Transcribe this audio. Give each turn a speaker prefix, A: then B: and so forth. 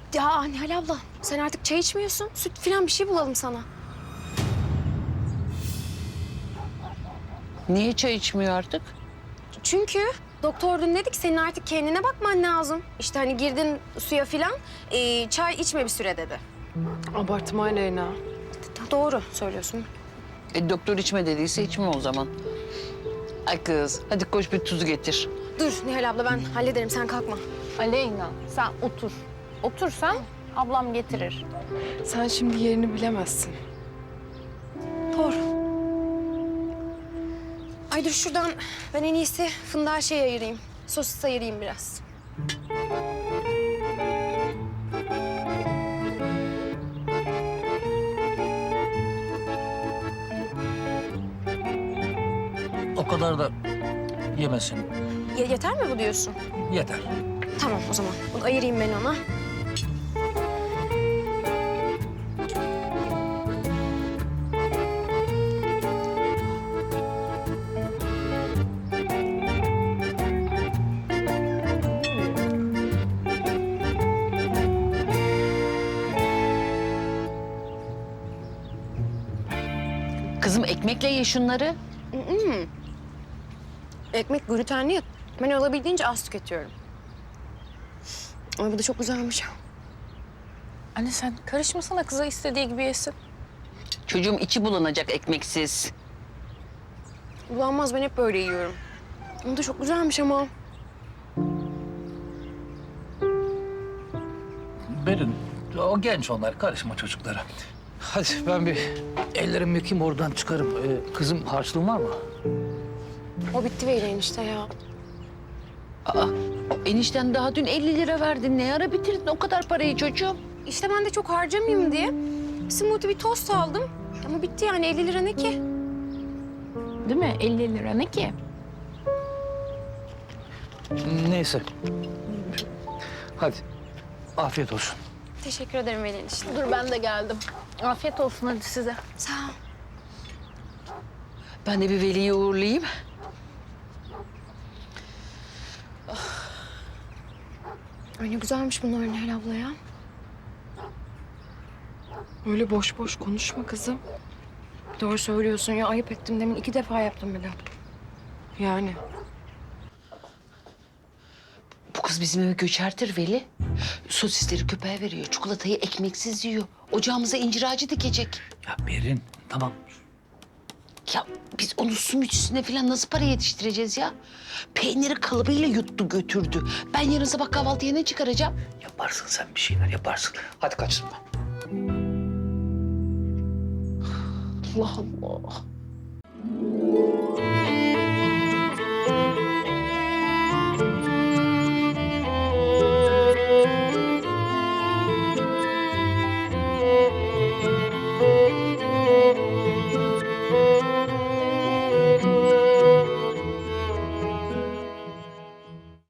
A: Ya Nihal abla sen artık çay içmiyorsun. Süt falan bir şey bulalım sana.
B: Niye çay içmiyor artık?
A: Çünkü doktor dün dedi ki senin artık kendine bakman lazım. İşte hani girdin suya falan çay içme bir süre dedi.
C: Abartma Aleyna.
A: Doğru söylüyorsun.
B: Doktor içme dediyse içme o zaman. Ay kız, hadi koş bir tuzu getir.
A: Dur Nihal abla ben hallederim sen kalkma.
D: Aleyna sen otur. Otur sen, ablam getirir.
C: Sen şimdi yerini bilemezsin.
A: Doğru. Ay dur şuradan ben en iyisi fındığa şey ayırayım. Sosis ayırayım biraz.
E: O kadar da yemesin.
A: Yeter mi bu diyorsun?
E: Yeter.
A: Tamam o zaman. Bunu ayırayım ben ona.
B: Kızım ekmekle ye şunları.
A: Ekmek glutenli ya. Ben olabildiğince az tüketiyorum. Ay bu da çok güzelmiş.
D: Anne sen karışmasana, kıza istediği gibi yesin.
B: Çocuğum içi bulanacak ekmeksiz.
A: Bulanmaz ben hep böyle yiyorum. Bu da çok güzelmiş ama.
E: Berin, o genç onlar. Karışma çocuklara. Hadi ben bir ellerimi yıkayayım oradan çıkarım. Kızım harçlığın var mı?
A: O bitti Veli enişte ya.
B: Aa, enişten daha dün 50 lira verdin. Ne ara bitirdin o kadar parayı çocuğum?
A: İşte ben de çok harcamayayım diye smoothie bir tost aldım. Ama bitti yani 50 lira ne ki?
D: Değil mi? 50 lira ne ki?
E: Neyse. Hadi. Afiyet olsun.
A: Teşekkür ederim Veli enişte.
D: Dur ben de geldim. Afiyet olsun hadi size.
A: Sağ ol.
B: Ben de bir Veli'yi uğurlayayım.
A: Ay ne güzelmiş bunlar Nihal abla ya.
C: Öyle boş boş konuşma kızım.
A: Doğru söylüyorsun ya ayıp ettim demin 2 defa yaptım bile.
C: Yani
B: Bu kız bizim eve göçertir Veli. Sosisleri köpeğe veriyor, çikolatayı ekmeksiz yiyor. Ocağımıza incir ağacı dikecek.
E: Ya Berin, tamam.
B: Ya biz onu su mücüsüne falan nasıl para yetiştireceğiz ya? Peyniri kalıbıyla yuttu götürdü. Ben yarın sabah kahvaltıya ne çıkaracağım?
E: Yaparsın sen bir şeyler yaparsın. Hadi kaçtım ben.
B: Allah Allah.